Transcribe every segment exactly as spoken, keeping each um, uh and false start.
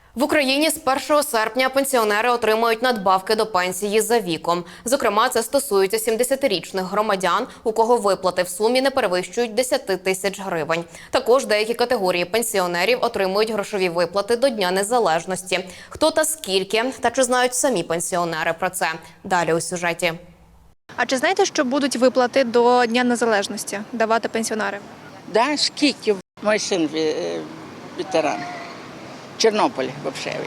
В Україні з першого серпня пенсіонери отримують надбавки до пенсії за віком. Зокрема, це стосується сімдесятирічних громадян, у кого виплати в сумі не перевищують десять тисяч гривень. Також деякі категорії пенсіонерів отримують грошові виплати до Дня Незалежності. Хто та скільки, та чи знають самі пенсіонери про це? Далі у сюжеті. А чи знаєте, що будуть виплати до Дня Незалежності давати пенсіонерам? Да, скільки? Мій син ветеран. Чорнобиль, взагалі.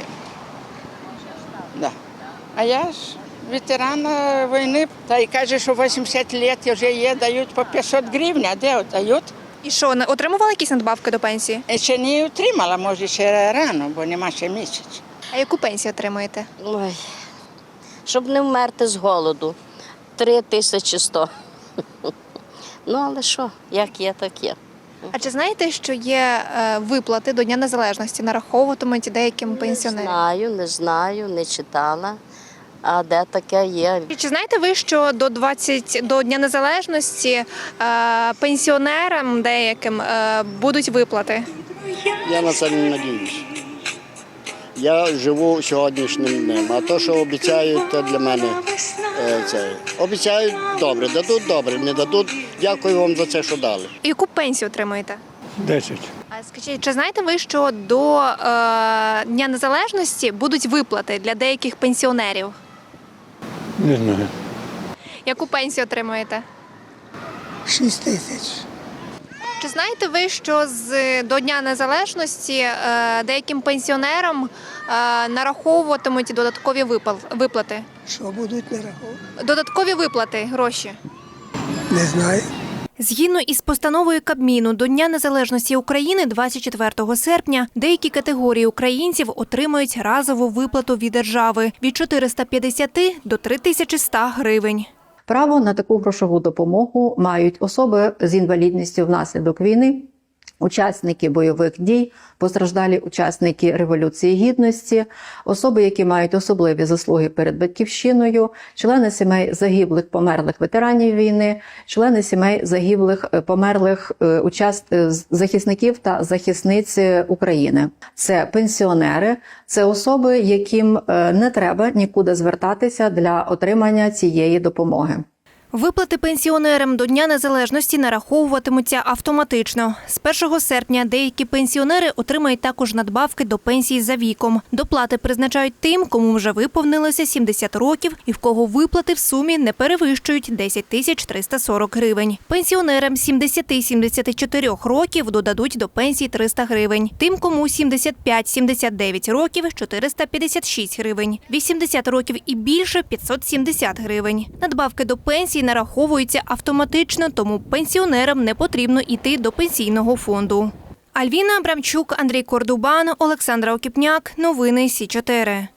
Да. А я ж ветеран війни, та й каже, що вісімдесят років вже є, дають по п'ятсот гривень, а де дають? І що, не отримували якісь надбавки до пенсії? Ще не отримала, може ще рано, бо нема ще місяць. А яку пенсію отримуєте? Ой, щоб не вмерти з голоду. Три тисячі сто. Ну, але що, як є, так є. А чи знаєте, що є е, виплати до Дня Незалежності, нараховуватимуть деяким пенсіонерам? Не знаю, не знаю, не читала. А де таке є? І чи знаєте ви, що до двадцять до Дня Незалежності е, пенсіонерам деяким е, будуть виплати? Я на це не надіюсь. Я живу сьогоднішнім днем, а то, що обіцяють, то для мене е, це. Обіцяють добре, дадуть добре, не дадуть, дякую вам за це, що дали. І яку пенсію отримуєте? Десять. А скажіть, чи знаєте ви, що до е, Дня Незалежності будуть виплати для деяких пенсіонерів? Не знаю. Яку пенсію отримуєте? Шість тисяч. Чи знаєте ви, що з до Дня Незалежності е, деяким пенсіонерам е, нараховуватимуть додаткові випал, виплати? Що будуть нараховувати? Додаткові виплати, гроші? Не знаю. Згідно із постановою Кабміну, до Дня Незалежності України двадцять четвертого серпня деякі категорії українців отримують разову виплату від держави від чотириста п'ятдесят до три тисячі сто гривень. Право на таку грошову допомогу мають особи з інвалідністю внаслідок війни, учасники бойових дій, постраждалі учасники Революції Гідності, особи, які мають особливі заслуги перед батьківщиною, члени сімей загиблих померлих ветеранів війни, члени сімей загиблих померлих участ... захисників та захисниць України. Це пенсіонери, це особи, яким не треба нікуди звертатися для отримання цієї допомоги. Виплати пенсіонерам до Дня Незалежності нараховуватимуться автоматично. З першого серпня деякі пенсіонери отримають також надбавки до пенсії за віком. Доплати призначають тим, кому вже виповнилося сімдесят років і в кого виплати в сумі не перевищують десять тисяч триста сорок гривень. Пенсіонерам сімдесят - сімдесят чотири років додадуть до пенсії триста гривень. Тим, кому сімдесят п'ять - сімдесят дев'ять років – чотириста п'ятдесят шість гривень. вісімдесят років і більше – п'ятсот сімдесят гривень. Надбавки до пенсії нараховуються автоматично, тому пенсіонерам не потрібно йти до пенсійного фонду. Альвіна Абрамчук, Андрій Кордубан, Олександра Окіпняк. Новини Сі чотири.